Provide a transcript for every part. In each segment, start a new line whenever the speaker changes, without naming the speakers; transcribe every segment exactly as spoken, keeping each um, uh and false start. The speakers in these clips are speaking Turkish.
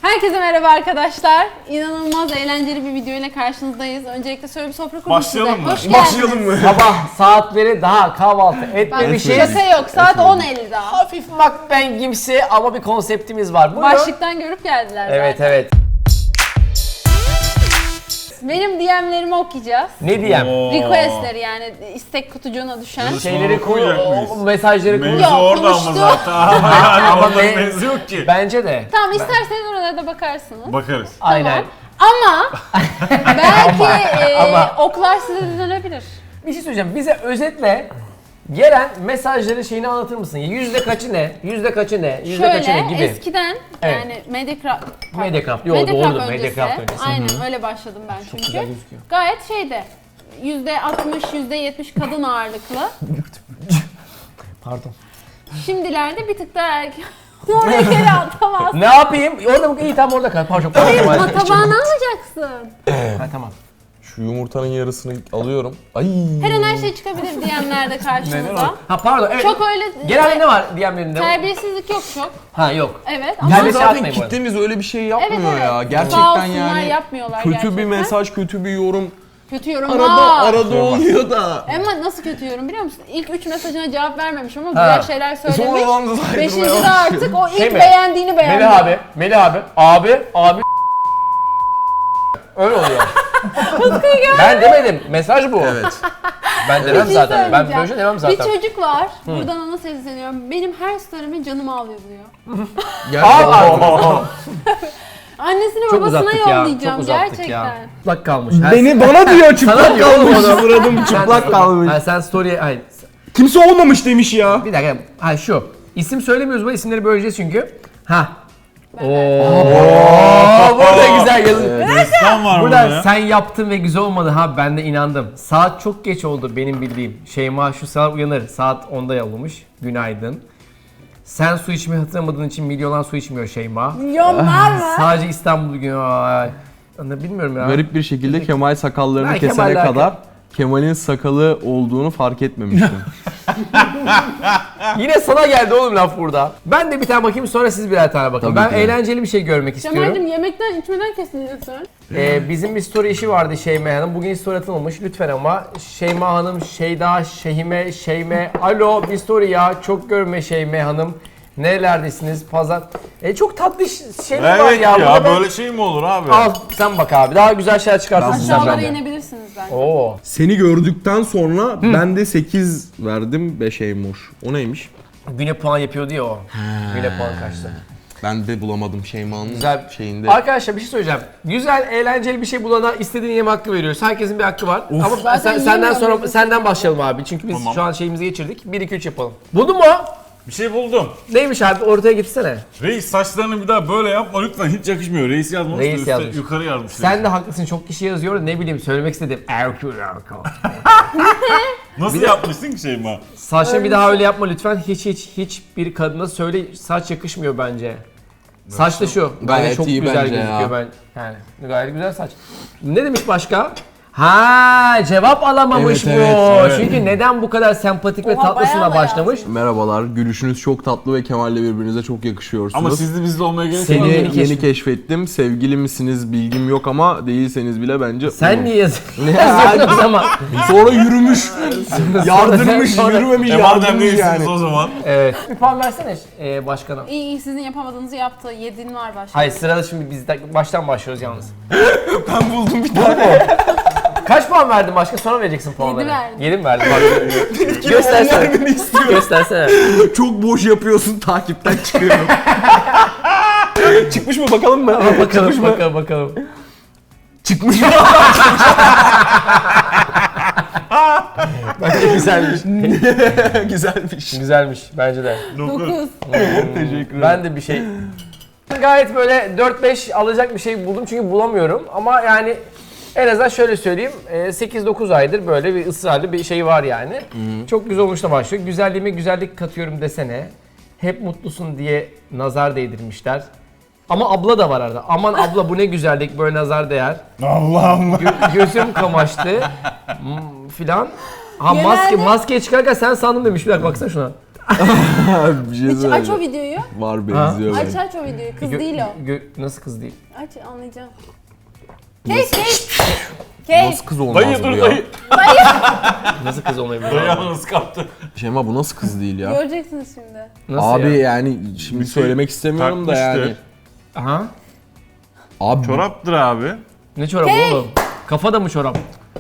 Herkese merhaba arkadaşlar. İnanılmaz eğlenceli bir video ile karşınızdayız. Öncelikle şöyle bir sofra kurduk
Başlayalım
size.
mı?
Hoş geldiniz.
Başlayalım mı?
Sabah saatleri daha kahvaltı
Bak,
etmemişiz.
şaka yok. Saat on elli daha.
Hafif makben gimsi ama bir konseptimiz var. Buyurun.
Başlıktan görüp geldiler
Evet
zaten.
evet.
Benim D M'lerimi okuyacağız.
Ne diyeyim?
Oo.
Requestleri yani istek kutucuğuna düşen.
Yazı-
Şeyleri koy,
Okuyacak
o-
mıyız?
o mesajları koy.
Mevzu
Yok,
orada ama
konuştu.
zaten. Yani
Ama
onların
me-
mevzu yok ki.
Bence de.
Tamam, isterseniz oralara da bakarsınız.
Bakarız.
Aynen.
Ama belki e,
Ama.
oklar size de dönebilir.
Bir şey söyleyeceğim. Bize özetle gelen mesajların şeyini anlatır mısın? Yüzde kaçı ne? Yüzde kaçı ne? Yüzde kaçı ne
Şöyle
gibi.
eskiden
Evet.
yani Mediacraft
Mediacraft, yo,
Mediacraft
doğrudur,
öncesi,
Mediacraft öncesi.
aynen öyle başladım ben çünkü.
güzel gözüküyor.
Gayet şeyde yüzde altmış yüzde yetmiş kadın ağırlıklı.
Pardon.
Şimdilerde bir tık daha erkek. Oraya geri atamaz.
Ne yapayım? Orada mı? İyi tamam orada kal. Pardon.
Hayır,
pardon.
ma tabağını alacaksın.
Ha, tamam.
Şu yumurtanın yarısını alıyorum. Ay.
Her an her şey çıkabilir diyenlerde karşımıza.
Ha pardon evet.
Çok öyle
Genelde ne var D M'lerinde?
Terbiyesizlik yok çok.
Ha yok.
Evet
Yani
ama
Ama
şey
zaten
atmayın bu arada.
kitlemiz öyle bir şey
evet,
yapmıyor
evet.
ya.
Sağ
Gerçekten
olsunlar,
yani.
yapmıyorlar
Kötü
gerçekten.
bir mesaj, kötü bir yorum.
Kötü yorum
Arada
var.
arada oluyor da.
Ama nasıl kötü yorum biliyor musun? İlk üç mesajına cevap vermemiş ama
Ha.
güzel şeyler
Sonra
söylemiş.
lan da saydırmaya
Beşinci de
başlıyor.
artık o ilk
Şey mi?
beğendiğini beğendi.
Melih abi, Melih abi, abi, abi. Öyle oluyor. Ben demedim. Mesaj bu.
Evet.
Ben
Bir
demem
şey
zaten. Ben
söyleyeceğim.
böyle şey demem zaten.
Bir çocuk var. Buradan ona sesleniyorum. Benim her story'ime canım ağlıyor diyor.
Gerçekten.
Annesine
Çok
babasına
uzattık ya.
yollayacağım
Çok uzattık
gerçekten.
ya. Çıplak kalmış. Her-
Beni bana diyor
Sana
çıplak
diyor oğlum
kalmış.
onu.
Suradım
Sen-
çıplak kalmış.
Ha, sen story'e... Hayır.
Kimse olmamış demiş ya.
Bir dakika. Ha şu. İsim söylemiyoruz bu isimleri böleceğiz çünkü. Ha. Oo. Burada güzel yazın.
Destan var burada
Burada
ya.
sen yaptın ve güzel olmadı ha ben de inandım. Saat çok geç oldu benim bildiğim. Şeyma şu saat uyanır. Saat onda yollamış. Günaydın. Sen su içmeyi hatırlamadığın için milyonlar su içmiyor Şeyma.
Milyonlar mı?
Sadece İstanbul günü. Ay. Ne bilmiyorum ya.
Garip bir şekilde Kemal sakallarını
Ben
kesene
Kemal'le
kadar Kemal'in sakalı olduğunu fark etmemiştim.
Yine sana geldi oğlum laf burada. Ben de bir tane bakayım sonra siz birer tane bakın.
Tabii
Ben
ki.
eğlenceli bir şey görmek istiyorum.
Cemal'cim yemekten içmeden kesinlikle.
Ee, bizim bir story işi vardı Şeyma Hanım. Bugün story atılmamış lütfen ama. Şeyma Hanım, Şeyda, Şehime, Şeyme. Alo bir story ya. Çok görme Şeyme Hanım. Nerelerdesiniz? Pazar. E, çok tatlı ş- şeyler var
Evet
ya.
ya,
Burada ben-
böyle şey mi olur abi?
Al sen bak abi. Daha güzel şeyler çıkartırsın sen
Aşağılara
benden.
inebilirsiniz bence.
Oo.
Seni gördükten sonra ben de sekiz verdim, beş Eymoş. O neymiş?
Güne puan yapıyordu ya o. Güne puan kaçtı.
Ben de bulamadım Şeyma'nın
Güzel.
şeyinde.
Arkadaşlar bir şey söyleyeceğim. Güzel, eğlenceli bir şey bulana istediğin yeme hakkı veriyoruz. Herkesin bir hakkı var. Ama
Zaten
sen, senden
yemiyorum
sonra
biz.
senden başlayalım abi. Çünkü biz
Tamam.
şu an şeyimizi geçirdik. bir iki üç yapalım. Buldun mu?
Bir şey buldum.
Neymiş abi? Ortaya gitsene.
Reis saçlarını bir daha böyle yapma lütfen, hiç yakışmıyor. Reis yazmamış
Reis
da üstte
yazmış.
yukarı yazmış.
Sen de haklısın. Çok kişi yazıyor. da Ne bileyim söylemek istedim. Erkül erkül.
Nasıl yapmışsın ki Şeyma?
Saçını bir daha öyle yapma lütfen. Hiç hiç hiç bir kadına söyle saç yakışmıyor bence. Saç da şu. Bence
Gayet
çok
iyi
güzel
bence
gözüküyor
ya.
ben. Yani gayet güzel saç. Ne demiş başka? Ha cevap alamamış
Evet,
bu.
evet,
evet.
Çünkü neden bu kadar sempatik ve
Oha,
tatlısına
bayağı
başlamış?
Merhabalar, gülüşünüz çok tatlı ve Kemal'le birbirinize çok yakışıyorsunuz.
Ama sizli bizli olmaya gerek
Seni
yok.
Seni
yeni
yeni,
keşfet-
keşfettim. Sevgili misiniz bilgim yok ama değilseniz bile bence...
Sen
olur.
niye yazıyorsun? Ne yazıyorsun o zaman?
Sonra yürümüş, yardırmış,
Sonra-
yürümemiş,
E madem
yardırmış
değilsiniz
yani.
o zaman.
Evet. Bir puan versene e, başkana.
İyi iyi sizin yapamadığınızı yaptı. Yediğin var başka.
Hayır sırada şimdi biz de baştan başlıyoruz yalnız.
Ben buldum bir tane.
Kaç puan verdin başka? Sonra vereceksin puanları.
verdim.
yedi mi verdin? Bak. Göstersene.
Vermeni istiyorum.
Göstersene.
Çok boş yapıyorsun, takipten çıkıyorum. Çıkmış mı bakalım mı?
bakalım
Çıkmış mı?
bakalım bakalım.
Çıkmış mı?
Bence güzelmiş.
Güzelmiş.
Güzelmiş bence de.
dokuz.
Teşekkür ederim.
Ben de bir şey... Gayet böyle dört beş alacak bir şey buldum çünkü bulamıyorum. Ama yani en azından şöyle söyleyeyim. sekiz dokuz aydır böyle bir ısrarlı bir şey var yani. Çok güzel olmuşla başlıyor. Güzelliğime güzellik katıyorum desene. Hep mutlusun diye nazar değdirmişler. Ama abla da var arada. Aman abla bu ne güzellik böyle nazar değer.
Allah'ım.
Gö- gözüm kamaştı. Hmm, filan. Ha
Genelde-
maske maskeye çıkarken sen sandım demiş. Bir dakika baksana şuna.
Bir şey
Hiç aç o
söyleyeceğim.
videoyu.
Var benziyor
Aç
bence.
aç o videoyu. Kız
Gö-
değil o.
gö- nasıl kız değil?
Aç anlayacağım. Kate Kate. Kate.
Nasıl kız olmaz
Dayı
bu
dur
ya?
dayı.
Nasıl kız olmayabilir?
Dayı yalnız kaptı.
Şeyma bu nasıl kız değil ya?
Göreceksiniz şimdi.
Nasıl
Abi
ya?
yani şimdi
Bir şey
söylemek istemiyorum da
takmıştı.
yani.
Aha.
Abi
Çoraptır abi.
Ne çorabı oğlum? Kafa da mı çorap?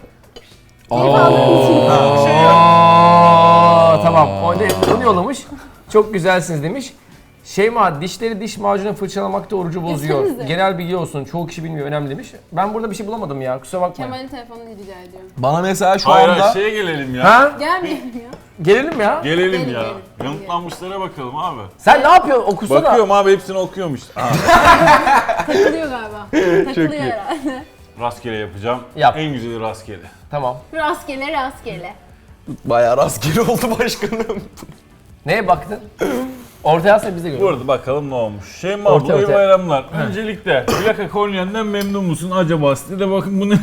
Aa, tamam. O ne, onu yollamış. Çok güzelsiniz demiş. Şeyma, dişleri diş macunu fırçalamakta orucu bozuyor.
Desenize.
Genel bilgi olsun. Çoğu kişi bilmiyor. Önemli demiş. Ben burada bir şey bulamadım ya. Kusura bakmayın.
Kemal'in telefonunu rica ediyorum.
bana mesela şu
Hayır
anda
hayır şeye gelelim ya.
Ha?
Gelmeyelim ya.
Gelelim ya.
Gelelim
Gelin,
ya.
gelin.
Yanıtlanmışlara bakalım abi.
Sen ne yapıyorsun? Okusana.
Bakıyorum abi hepsini okuyormuş. Aa,
Takılıyor galiba. Takılıyor
iyi.
herhalde.
rastgele yapacağım.
Yap.
En güzeli rastgele.
Tamam.
Rastgele rastgele.
bayağı rastgele oldu başkanım.
Neye baktın? Ortaya alsana biz de
Bu
görelim.
arada bakalım ne olmuş. Şeyma
Orta,
abla iyi
orta.
bayramlar. Öncelikle plaka kolyenden memnun musun acaba? Size de bakın bunu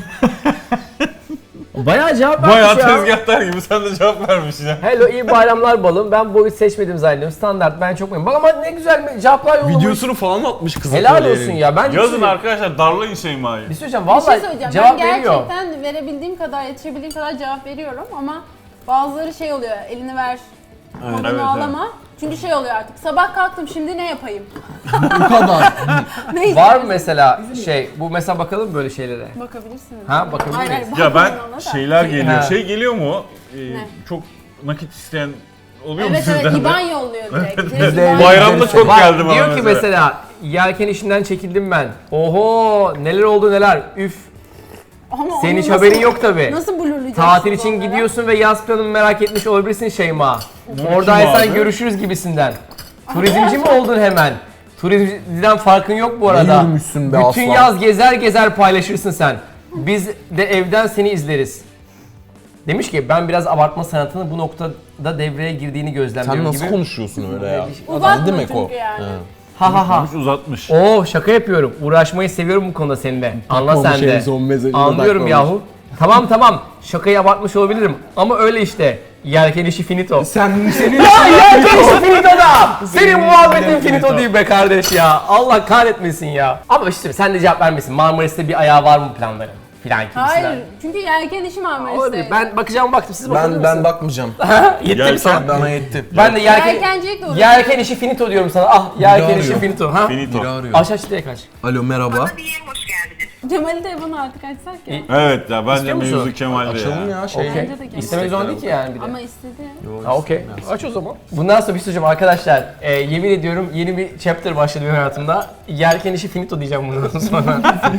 Bayağı cevap
bayağı
vermiş ya.
tezgahtar gibi sen de cevap vermişsin ya.
Hello, iyi bayramlar balım. Ben boyut seçmedim zannediyorum. Standart, ben çok memnunum. Bak ama ne güzel cevaplar yollamış.
Videosunu falan atmış kız.
Helal
atölyenin.
olsun ya. Ben
Yazın arkadaşlar darlayın Şeyma'yı.
Bir şey söyleyeceğim.
Bir şey
Vallahi
söyleyeceğim.
cevap
ben
veriyor.
gerçekten verebildiğim kadar, yetişebildiğim kadar cevap veriyorum ama bazıları şey oluyor, elini ver, modunu
evet,
ağlama. Çünkü şey oluyor artık, sabah kalktım şimdi ne yapayım?
Bu kadar.
Ne
Var mı
istiyorsun?
mesela şey, bu mesela bakalım böyle şeylere.
Bakabilirsiniz.
Ha, bakabilir
Hayır,
miyiz?
hayır,
Ya ben
bakmayın ona da.
şeyler geliyor.
Ha.
Şey geliyor mu? Ee,
Ne?
çok nakit isteyen oluyor mu
Evet
sizden
evet,
de?
İban yolluyor direkt. Direkt
Biz de
İban
Bayramda
yolluyor.
çok
Bak,
geldi bana
diyor ki
mesela.
mesela yelken işinden çekildim ben. Oho, neler oldu neler. Üf.
Ama
Senin
onu
hiç
nasıl-
haberin yok tabi.
Nasıl blurlayacaksın?
Tatil için
onlara?
gidiyorsun ve yaz planını merak etmiş olabilirsin Şeyma.
kim
Oradaysan
abi?
görüşürüz gibisinden. Turizmci mi oldun hemen? Turizmciden farkın yok bu arada.
Ne yürümüşsün be
Bütün
aslan.
yaz gezer gezer paylaşırsın sen. Biz de evden seni izleriz. Demiş ki ben biraz abartma sanatının bu noktada devreye girdiğini gözlemliyorum
Sen nasıl
gibi.
konuşuyorsun öyle ya?
Uzatma
Ne demek
çünkü
o?
yani.
Ha ha ha.
Uzatmış, uzatmış.
Oo, şaka yapıyorum. Uğraşmayı seviyorum bu konuda seninle. Anla
Takmamış
sen de.
en son mesajına
Anlıyorum
takmamış.
yahu. Tamam tamam. Şakayı abartmış olabilirim. Ama öyle işte. Yelken işi finito.
Sen senin
Ya yelken işi finito da. Senin muhabbetin
yelken
finito
finito.
değil be kardeş ya. Allah kahretmesin ya. Ama işte sen de cevap vermesin. Marmaris'te bir ayağı var mı planların? Filan gibisinden.
Hayır, çünkü yelken işi
Olabilir.
Marmaris'teydi.
Ben bakacağım baktım. Siz bakabilir
ben ben
misiniz?
bakmayacağım.
Yetti mi
Yelken-
sen?
Bana yetti.
Ben de yelken...
Yelkencilikle uğraşıyorum.
Yelken işi finito diyorum sana. Ah yelken
Biri
işi
arıyor.
finito. Ha?
Finito.
Biri arıyor.
Aç aç direkt aç.
Alo merhaba.
diye hoş geldiniz.
Cemal'i de bana artık açsak ya.
İyi.
Evet ya bence
İstiyor musun?
mevzu Kemal'de
Açalım
ya.
ya şey.
Okey.
Bence de gel.
İstemek zorunda değil ki yani bir de.
Ama istedi.
Ha okey. Aç o zaman. Bundan sonra bir şey söyleyeceğim arkadaşlar. E, yemin ediyorum yeni bir chapter başladı benim hayatımda. Yelken işi finito diyeceğim bundan sonra.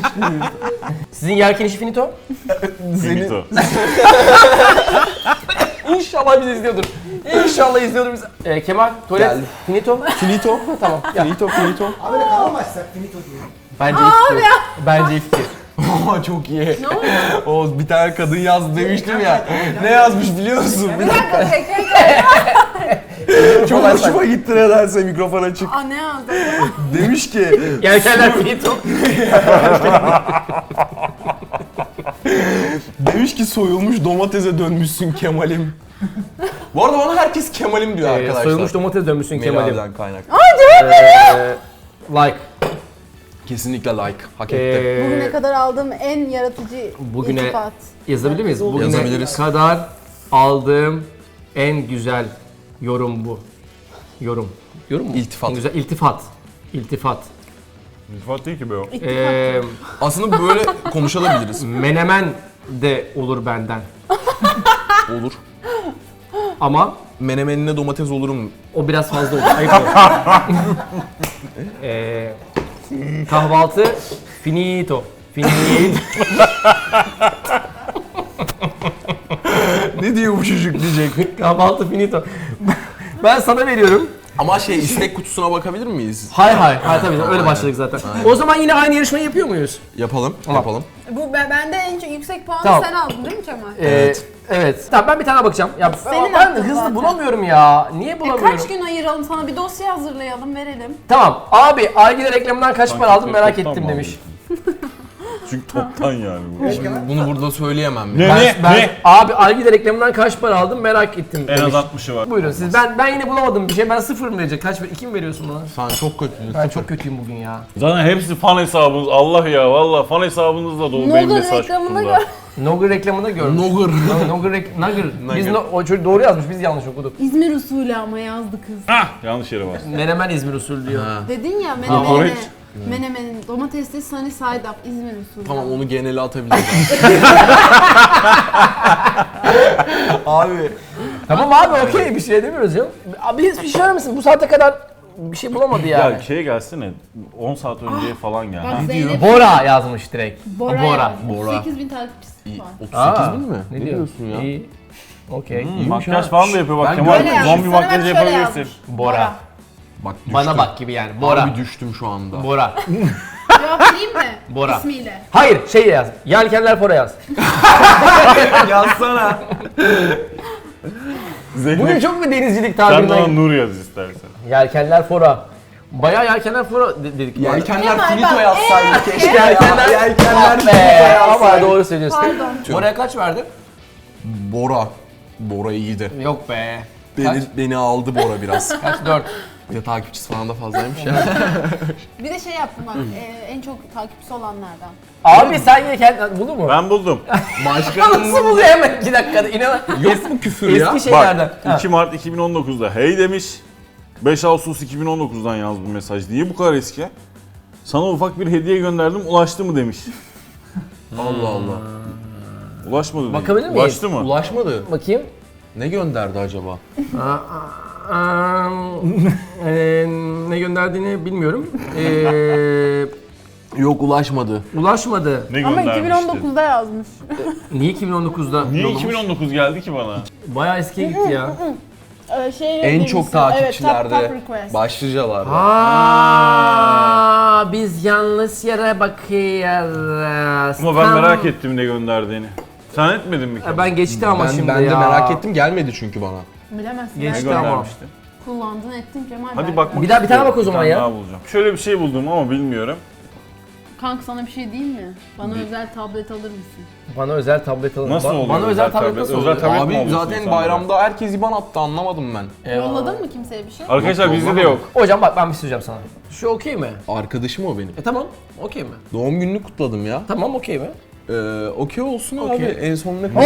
Sizin yelken işi finito?
Finito.
İnşallah bizi izliyordur. İnşallah izliyordur bizi. E, Kemal, tuvalet,
Geldi.
finito.
Finito.
Tamam. Ya.
Finito finito.
Abi de kalamazsak finito diyorum.
Bence iyi fikir. Bence iyi fikir.
Aa çok iyi.
Ne oldu?
O bir tane kadın yazdı demiştim ya. Ne yazmış biliyor musun?
Bir dakika, tekrar
Çok hoşuma gitti nedense mikrofon açık.
Aa ne yazdı?
Demiş ki
Yelkenler finito.
demiş ki soyulmuş domatese dönmüşsün Kemal'im. Bu arada bana herkes Kemal'im diyor
E,
arkadaşlar.
soyulmuş domates dönmüşsün Kemal'im.
Kemal'den kaynak.
E, like.
Kesinlikle like. Hak etti.
E,
Bugüne kadar aldığım en yaratıcı
Bugüne-
iltifat.
Yazabilir miyiz? Bugüne
Yazabiliriz.
kadar aldığım en güzel yorum bu. Yorum. Yorum mu?
İltifat.
En güzel iltifat. İltifat.
İltifat değil ki be o.
İttifak.
Ee,
Aslında böyle konuşabiliriz.
menemen de olur benden.
Olur.
Ama
Menemenine domates olurum.
o biraz fazla olur. Ayıp olur. ee, kahvaltı finito. Finito.
Ne diyor bu çocuk diyecek.
kahvaltı finito. Ben sana veriyorum.
Ama şey istek kutusuna bakabilir miyiz?
Hay hay. Hay tabii öyle başladık zaten. O zaman yine aynı yarışmayı yapıyor muyuz?
Yapalım,
Tamam.
yapalım.
Bu ben- bende en çok yüksek puanı
Tamam.
sen aldın değil mi Kemal?
Ee, evet. Evet. Tamam ben bir tane bakacağım. Ya
Senin
ben
hakkın
hızlı
zaten.
bulamıyorum ya. Niye
E,
bulamıyorum?
kaç gün ayıralım sana bir dosya hazırlayalım verelim.
Tamam. Abi Argile reklamından kaç para aldın merak
toplam
ettim
mı
demiş.
Çünkü toptan yani bu.
Bunu burada söyleyemem.
Ne
ya.
ne
Ben,
ne?
abi Algida reklamından kaç para aldım merak ettim.
En az
demiş.
altmışı var.
Buyurun siz. Ben ben yine bulamadım bir şey. Ben sıfır mı verecek? Kaç iki mi veriyorsun bana?
Sen çok kötüydün.
Ben çok kötüyüm bugün ya.
Zaten hepsi fan hesabınız. Allah ya valla fan hesabınızda dolu benim
Noodle
mesaj
reklamına
kutumda.
gör.
Nogger reklamında gördüm.
Nogger.
Nogger rek... Nugger. Biz
Nugger.
no... o çocuk doğru yazmış. Biz yanlış okuduk.
İzmir usulü ama yazdı kız.
Hah yanlış yere bastım.
Menemen İzmir usulü diyor.
Ha.
Dedin ya
Kokoreç.
menemene. Menemenin domatesli sunny side up İzmir usulü.
Tamam onu genele atabiliriz. Abi.
Tamam abi okey bir şey demiyoruz ya. Abi hiçbir şey misin? Bu saate kadar bir şey bulamadı yani.
Ya şeye gelsene on saat önceye falan gel.
Bak
ha.
Zeynep
Bora yazmış direkt.
Bora.
Bora.
yazmış.
Bora.
otuz sekiz bin takipçisi
İyi.
var.
otuz
Aa,
sekiz bin mi?
Ne,
Ne diyorsun ya?
İyi. Okey.
Hmm, makyaj falan da yapıyor bak
Ben
Kemal.
Böyle yazmış.
Zombi
Sana
makyajı
bak şöyle
yapabilirsin.
yazmış.
Bora.
Bak düştüm.
Bana bak gibi yani. Bora.
Abi düştüm şu anda.
Bora.
Cevap vereyim mi?
Bora.
İsmiyle.
Hayır şey yaz. Yelkenler Fora yaz.
Yazsana.
Bugün
Zeynep
çok mu denizcilik
sen de ona
tabirinden?
Nur yaz istersen.
Yelkenler Fora. Bayağı Yelkenler Fora de- dedik.
Yelkenler
Kemal,
finito
bak,
yazsaydı keşke.
Yelkenler.
Yelkenler
Be,
finito
ama
yazsaydı.
doğru söylüyorsun.
Pardon.
Bora'ya kaç verdin?
Bora. Bora iyiydi.
Yok be.
Beni, beni aldı Bora biraz.
Kaç? Dört.
Bir de takipçisi falan da fazlaymış ya.
Bir de şey yaptım bak e, en çok takipçisi olanlardan.
Abi sen yelken buldun mu?
Ben buldum.
Nasıl buluyor hemen iki dakikada? İnan.
Yok mu küfür ya?
Eski şeylerden.
Bak
Ha.
iki Mart iki bin on dokuzda hey demiş. beş Ağustos iki bin on dokuzdan yaz bu mesaj. Niye bu kadar eski? Sana ufak bir hediye gönderdim ulaştı mı demiş.
Allah Allah.
Ulaşmadı demiş.
Bakabilir miyiz?
Ulaştı mı?
Ulaşmadı.
Bakayım.
Ne gönderdi acaba?
Aa, eee, ne gönderdiğini bilmiyorum. Eee
Yok ulaşmadı.
ulaşmadı.
Ne
Ama
göndermişti?
iki bin on dokuzda yazmış.
Niye iki bin on dokuzda?
Niye
yollamış?
iki bin on dokuz geldi ki bana?
Bayağı eskiye gitti ya.
Ee, şey
En
demişsin,
çok takipçilerde
Evet, top, top request.
başlıcalarda.
Aa, biz yanlış yere bakıyoruz.
Ama ben
Tam-
merak ettim ne gönderdiğini. Sen etmedin mi ki?
Ya ben geçti ama
Ben,
şimdi
ben
ya.
de merak ettim gelmedi çünkü bana.
Bilemezsin.
Geç.
Ne
Belki
Tamam.
göndermişti?
kullandın ettin Kemal.
Hadi
belki.
bakmak
Bir daha- bir tane
istiyorum.
bak o zaman
Bir tane
ya.
daha bulacağım. Şöyle bir şey buldum ama bilmiyorum.
Kanka sana bir şey diyeyim mi? Bana özel tablet alır mısın?
Bana özel tablet alın.
Nasıl
Ba-
oluyor
Bana özel tablet nasıl
Özel
oluyor?
tablet mi
Abi
alıyorsun
zaten
insanlara?
bayramda herkes IBAN attı anlamadım ben.
Eyvallah.
Yolladın mı kimseye bir şey?
Arkadaşlar
Yok,
bizde de
yollamadım.
yok.
Hocam bak ben bir şey söyleyeceğim sana. Şu okey mi?
Arkadaşım o benim.
E tamam. Okey mi?
Doğum gününü kutladım ya.
Tamam okey mi?
Ee, okey olsun
Okey.
abi. En son ne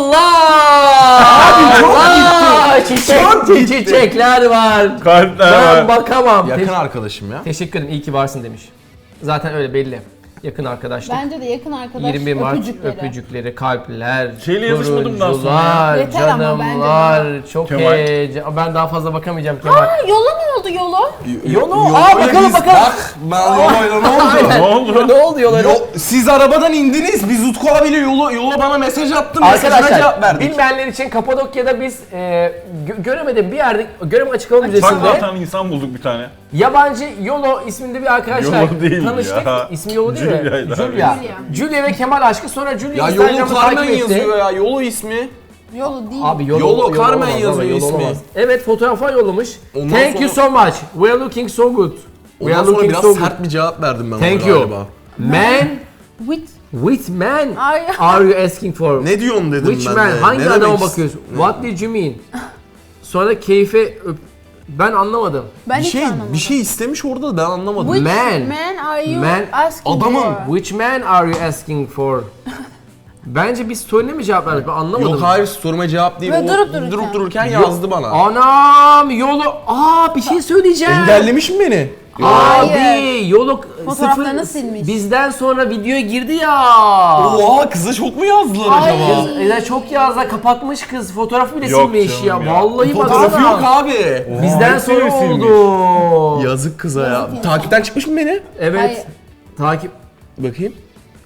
Allah! Abi çok gitti. Çiçek, çiçekler var.
Kalpler
Ben
var.
bakamam.
Yakın
Te-
arkadaşım ya.
teşekkür ederim. İyi ki varsın demiş. Zaten öyle belli. Yakın arkadaşlık.
Bence de yakın arkadaş
yirmi bir Mart
öpücükleri.
öpücükleri, kalpler,
Şeyle yazışmadım daha sonra
turuncular,
ya. Yeter ama
canımlar, çok
Kemal.
heyecan. Ben daha fazla bakamayacağım Kemal.
Aa, yola ne oldu yola?
Yolu, aa bakalım bakalım.
Bak ben yolayla ne oldu?
Aynen.
Ne oldu?
Ne oldu yola?
Yo, siz arabadan indiniz. Biz Utku abiyle yola, yola bana mesaj attı. Mesajına
Arkadaşlar
cevap verdik.
bilmeyenler için Kapadokya'da biz e, gö- göremedim bir yerde Göreme Açık Hava
Bak
Müzesi'nde
zaten insan bulduk bir tane.
yabancı Yolo isminde bir arkadaşlar
Yolo değil
tanıştık.
ya.
İsmi Yolo değil mi?
Julia'ydı abi.
Julia.
Julia.
Julia ve Kemal aşkı sonra Julia
Ya yolu
Instagram'da
Carmen
takip etti.
yazıyor ya. Yolu ismi.
Yolu değil.
Abi Yolo,
Yolo, Carmen
olamaz,
yazıyor
Yolo
ismi.
olamaz. Evet fotoğraflar yollamış.
Ondan
Thank you so much. We are looking so good. We
Ondan
are
sonra
looking
biraz
so good.
sert bir cevap verdim ben
Thank
ona
you.
galiba.
Man,
With.
which man
Are you-
are you asking for?
Ne diyorsun dedim
Which
ben
man?
de.
Hangi
Ne
adama
demek
bakıyorsun?
ist-
What did you mean? Sonra keyfe öp... Ben anlamadım.
Ben
Bir
hiç
şey
anlamadım.
bir şey istemiş orada ben anlamadım.
Which
Man.
man are you
Man.
asking
Adamın.
for?
Which man are you asking for? Bence biz story'ne mi cevap verdik? Ben anlamadım.
Yok hayır soruma cevap değil.
Ve
O
durup dururken.
durup dururken
Yok.
yazdı bana.
Anam yolu... Aa bir şey söyleyeceğim.
Engellemiş mi beni?
Abi
Hayır.
yolu
Fotoğraflarını
sıfır-
silmiş.
Bizden sonra videoya girdi ya.
Oha kıza çok mu yazdılar
Hayır.
acaba?
Kız, e, çok yazda kapatmış kız. Fotoğrafı bile
Yok
silmiş ya.
canım ya.
Vallahi
Fotoğrafı
baksana.
yok abi.
Bizden
hepsini
sonra
silmiş.
oldu.
Yazık kıza ya.
Yazık insan.
Takipten çıkmış mı beni?
Evet.
Hayır.
Takip.
Bakayım.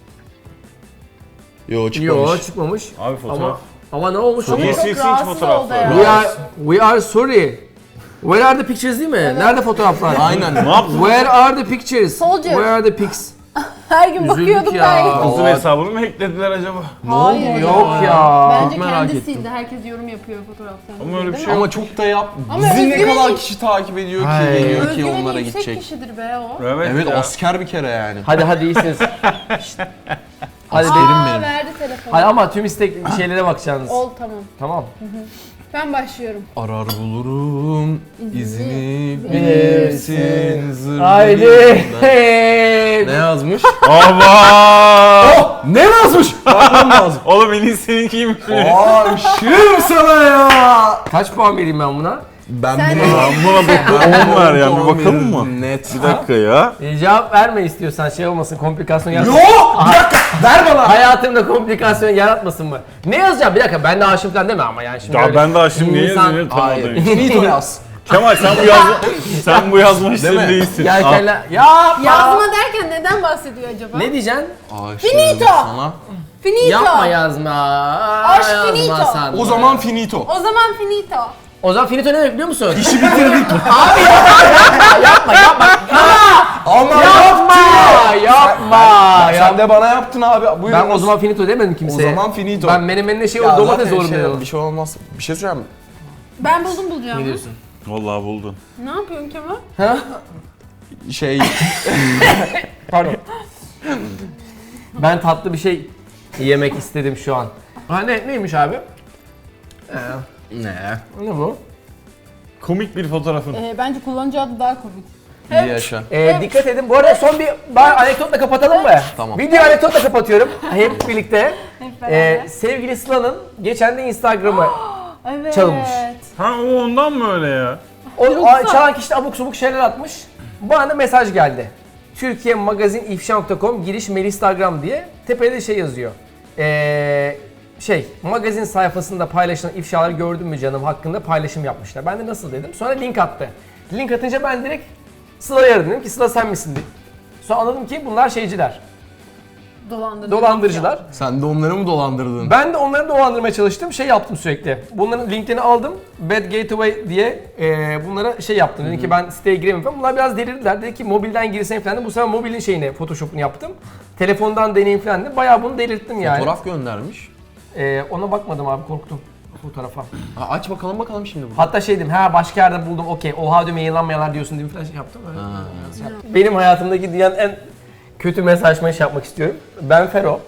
Yo çıkmamış.
Yok çıkmamış.
Abi fotoğraf.
Ama ama ne olmuş?
Ama
Niye
çok
silsin
rahatsız
fotoğrafları?
oldu ya.
We are we are sorry. Where are the pictures değil mi? Nerede fotoğraflar?
Aynen.
Ne yaptın?
Where are the pictures?
Soldier.
Where are the pics?
Her gün
Üzüldük
bakıyordum
ya.
ben.
Kızın
Allah.
hesabını mı hacklediler acaba?
Hayır.
Yok ya.
Bence
Çok merak
kendi
ettim.
sildi. Herkes yorum yapıyor fotoğraflarına.
Ama öyle bir
Değil
şey
mi?
Ama çok da yap.
Ama
Bizi ne
özgüveni-
kadar kişi takip ediyor ki,
Hayır.
geliyor ki
Özgüveni
onlara
yüksek
gidecek.
kişidir be o.
Evet,
Evet,
ya.
asker bir kere yani.
Hadi hadi iyisiniz. Şşt. Hadi
Aa
derim.
benim.
verdi telefonu.
Hadi ama tüm istek şeylere bakacaksınız.
Ol tamam.
Tamam.
Ben başlıyorum.
Arar bulurum, izini
bilirsin.
bilirsin zır
Haydi.
Ne yazmış?
Aba!
Ne yazmış? Bakmam lazım.
Oğlum en iyi seninkiymiş.
Aşığım sana ya.
Kaç puan vereyim ben buna?
Ben
Sen-
buna...
Ben buna bir on ver ya, bir bakalım mı?
Net.
Bir dakika ya.
E, cevap verme istiyorsan şey olmasın, komplikasyon yaratmasın.
Yok! Bir dakika, ver bana.
Hayatımda komplikasyon yaratmasın mı? Ne yazacağım? Bir dakika ben de aşığım falan deme ama yani şimdi
Ya
öyle-
ben daha şimdi niye
İnsan-
yazını
Hayır.
tanımadın?
Finito yaz.
Kemal sen bu yazma sen bu yazma işleri
mi?
değilsin.
Yelkenler... Ya
Yazma derken neden bahsediyor acaba?
Ne diyeceksin?
Aşığım
Finito.
sana.
Finito.
Yapma yazma.
Aşk
Yazma
finito.
sen.
O zaman finito.
O zaman finito.
O zaman finito ne demek biliyor musun?
İşi bitirdik.
Yapma yapma.
Ama
Yapma. Yapma.
Sen, sen de bana yaptın abi. Buyurun.
Ben o zaman finito demedim
O
kimseye.
zaman finito.
Ben menemenine şey
Ya
o domates
zaten
doğru
şey,
dedim.
bir şey olmaz. Bir şey söyleyeyim mi?
Ben buldum bulacağımı.
Ne diyorsun?
Vallahi buldun.
Ne yapıyorsun Kemal?
Şey...
Pardon. Ben tatlı bir şey yemek istedim şu an. Ha ne neymiş abi? Ee,
ne?
ne bu?
Komik bir fotoğrafın.
Ee, bence kullanıcı adı daha komik.
İyi yaşa.
Ee, dikkat edin. Bu arada son bir bari anekdotla kapatalım mı?
Tamam.
Videoyu anekdotla kapatıyorum. Hep birlikte.
Hep beraber.
Ee, sevgili Sıla'nın geçen de Instagram'ı
evet.
çalınmış.
Ha o ondan mı öyle ya?
O
Yoksa-
a- çalan kişi de abuk subuk şeyler atmış. Bana da mesaj geldi. Türkiye Magazin ifşa nokta com giriş mail Instagram diye tepede şey yazıyor. Ee, şey magazin sayfasında paylaşılan ifşaları gördün mü canım hakkında paylaşım yapmışlar. Ben de nasıl dedim. Sonra link attı. Link atınca ben direkt Sıla'ya aradım. Dedim ki Sıla sen misin diye. Sonra anladım ki bunlar şeyciler.
Dolandırıcı.
Dolandırıcılar.
Sen de onları mı dolandırdın?
Ben de onları dolandırmaya çalıştım. Şey yaptım sürekli. Bunların linklerini aldım. Bad Gateway diye e, bunlara şey yaptım. Dedim ki ben siteye giremem falan. Bunlar biraz delirdiler. Dedi ki mobilden girsen falan. Bu sefer mobilin şeyini, Photoshop'unu yaptım. Telefondan deneyim falan de. Bayağı bunu delirttim yani.
Fotoğraf göndermiş.
E, ona bakmadım abi korktum fotoğrafa.
Ha, aç bakalım bakalım şimdi bunu.
Hatta şey dedim, ha başka yerde buldum okey. Oha diyorum yayınlanmayanlar diyorsun diye falan şey yaptım. Öyle. Şey yaptım. Benim hayatımdaki dünyanın en kötü mesajlaşmayı şey yapmak istiyorum. Ben Fero.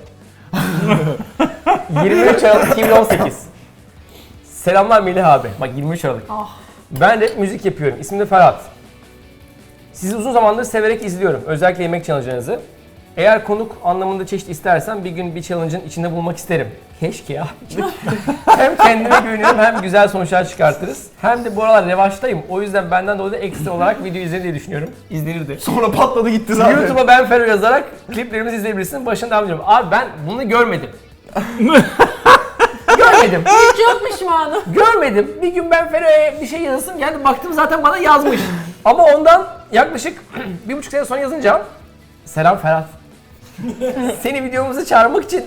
yirmi üç Aralık iki bin on sekiz. Selamlar Melih abi. Bak yirmi üç Aralık.
Ah.
Ben rap müzik yapıyorum. İsmim de Ferhat. Sizi uzun zamandır severek izliyorum. Özellikle yemek challenge'larınızı. Eğer konuk anlamında çeşit istersen bir gün bir challenge'ın içinde bulmak isterim. Keşke ya. Hem kendime güveniyorum hem güzel sonuçlar çıkartırız. Hem de bu aralar revaçtayım. O yüzden benden dolayı da ekstra olarak video izlenir diye düşünüyorum. İzlenirdi.
Sonra patladı gitti zaten.
YouTube'a ben Fero yazarak kliplerimizi izleyebilirsin. Başına devam ediyorum. Abi ben bunu görmedim. görmedim.
Çok pişmanım.
Görmedim. Bir gün ben Fero'ya bir şey yazasım geldi. Baktım zaten bana yazmış. Ama ondan yaklaşık bir buçuk sene sonra yazınca selam Ferhat. Seni videomuza çağırmak için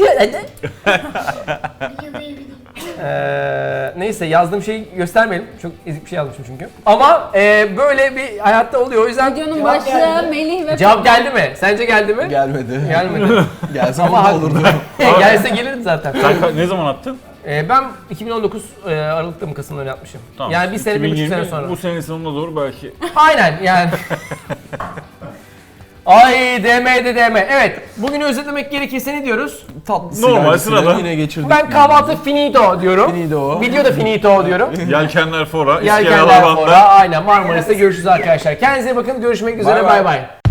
Ee, neyse yazdığım şeyi göstermeyelim. Çok ezik bir şey yazmışım çünkü. Ama e, böyle bir hayatta oluyor. O yüzden
Videonun
cevap
başlığı
geldi.
Melih ve
Cevap geldi mi? Sence geldi mi?
Gelmedi.
Gelmedi.
Gelse
Ama
ama
hak-
olurdu.
Gelse gelirdi zaten.
Sen ka- ne zaman attın?
Ee, ben iki bin on dokuz e, Aralık'ta mı Kasım'da mı yapmışım? Yani bir sene, bir buçuk sene sonra.
Bu senenin sonuna doğru belki.
Aynen yani. Ay D M D D M. Evet, bugünü özetlemek gerekirse ne diyoruz?
Tatlı
Normal,
sigarasını
sıradan.
Yine geçirdik.
Ben kahvaltı finito diyorum.
Finito.
Video da finito diyorum.
Yelkenler fora,
Yelkenler
iskeleler
fora. Aynen Marmaris'te görüşürüz arkadaşlar. Kendinize iyi bakın. Görüşmek üzere.
Bay
Bay
bay.
bay.